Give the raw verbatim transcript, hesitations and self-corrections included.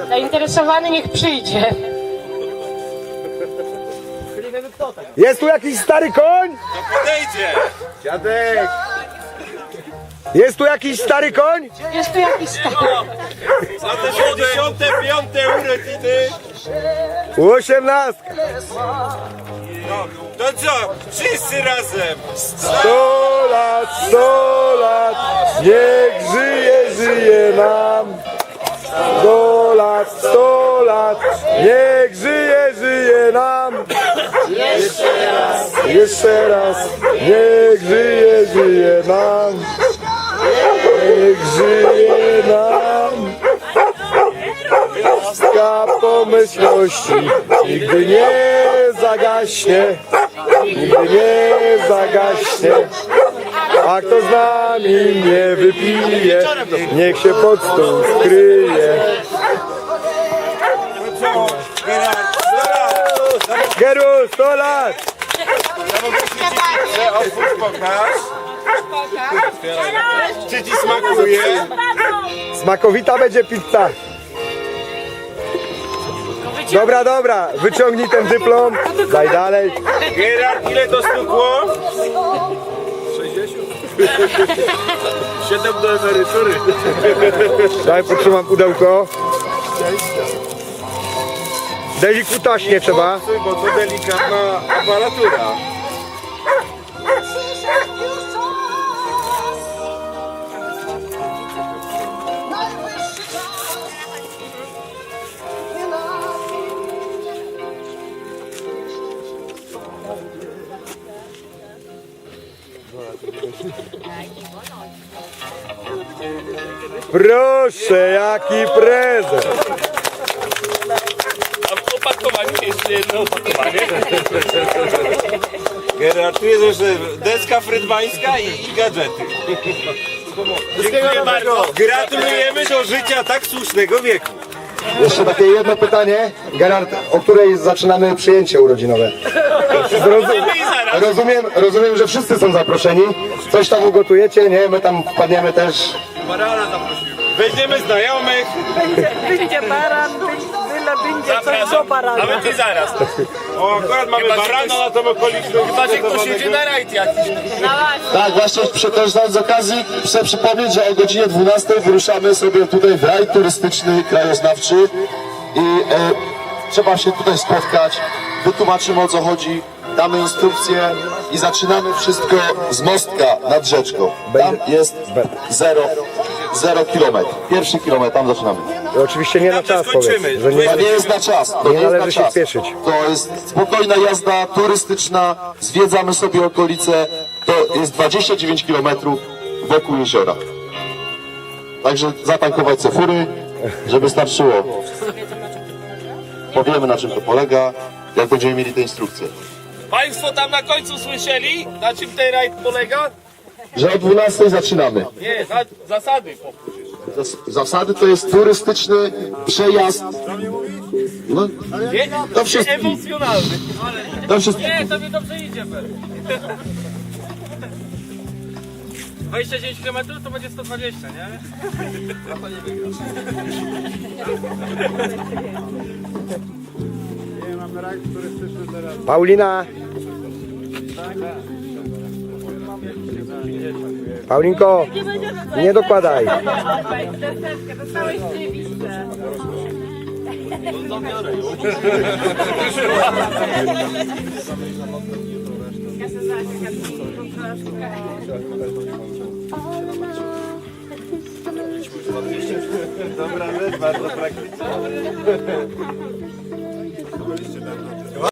Zainteresowany niech przyjdzie. Jest tu jakiś stary koń? To podejdzie! Dziadek! Jest tu jakiś stary koń? Jest tu jakiś stary. Za te siedemdziesiąte piąte urodziny! Osiemnastka! No, to co? Wszyscy razem! Sto lat, sto lat, niech żyje, żyje nam. Sto lat, sto lat, niech żyje, żyje nam. Jeszcze raz, jeszcze raz, niech żyje, żyje nam. Niech żyje nam. Łaska pomyślności nigdy nie zagaśnie, nigdy nie zagaśnie. A kto z nami nie wypije, niech się pod stół skryje. Co? Gerard, zaraz! Geru, sto lat! Że otwórz, pokaż! Czy ci smakuje? Smakowita będzie pizza. Dobra, dobra, wyciągnij ten dyplom, daj dalej. Gerard, ile to stukło? siedem do emerytury. Daj, potrzymam pudełko. Delikutaśnie trzeba. Bo to delikatna aparatura. Proszę, jaki prezent. A w opakowaniu jest jedno opakowanie. Gerard, tu jest jeszcze deska frydmańska i, i gadżety. Dziękuję bardzo. Gratulujemy do życia tak słusznego wieku. Jeszcze takie jedno pytanie. Gerard, o której zaczynamy przyjęcie urodzinowe? Zrozum I zaraz. rozumiem, rozumiem, że wszyscy są zaproszeni. Coś tam ugotujecie, nie? My tam wpadniemy też. Barana zaprosimy. Weźmiemy znajomych. Będzie baran, byle będzie coś do Zapraszam. barana. Nawet i zaraz. O, akurat mamy Chyba, że barana ktoś- na tą okoliczność. Chyba, że ktoś jedzie na rajd jakiś. Tak, właśnie korzystając z okazji chcę przypomnieć, że o godzinie dwunastej wyruszamy sobie tutaj w rajd turystyczny, krajoznawczy i e, trzeba się tutaj spotkać, wytłumaczymy o co chodzi, damy instrukcje i zaczynamy wszystko z mostka nad rzeczką. Tam jest zero, zero kilometr. Pierwszy kilometr, tam zaczynamy. I oczywiście nie na Tam czas, skończymy. powiedz, że nie To nie jest na czas, to Nie nie, jest należy na się czas. spieszyć. To jest spokojna jazda turystyczna, zwiedzamy sobie okolice, to jest dwadzieścia dziewięć kilometrów wokół jeziora. Także zatankować se fury, żeby starczyło. Powiemy na czym to polega, jak będziemy mieli te instrukcje. Państwo tam na końcu słyszeli, na czym ten rajd polega? Że o dwunastej zaczynamy. Nie, za, zasady. Zas- Zasady to jest turystyczny przejazd. No, Nie, to wszystko. emocjonalny. To wszystko. Nie, to mi dobrze idzie. dwadzieścia dziewięć kilometrów to będzie sto dwadzieścia, nie? Paulina! Paulinko, nie dokładaj. Dostałeś listę. Dobra, bardzo praktyczne.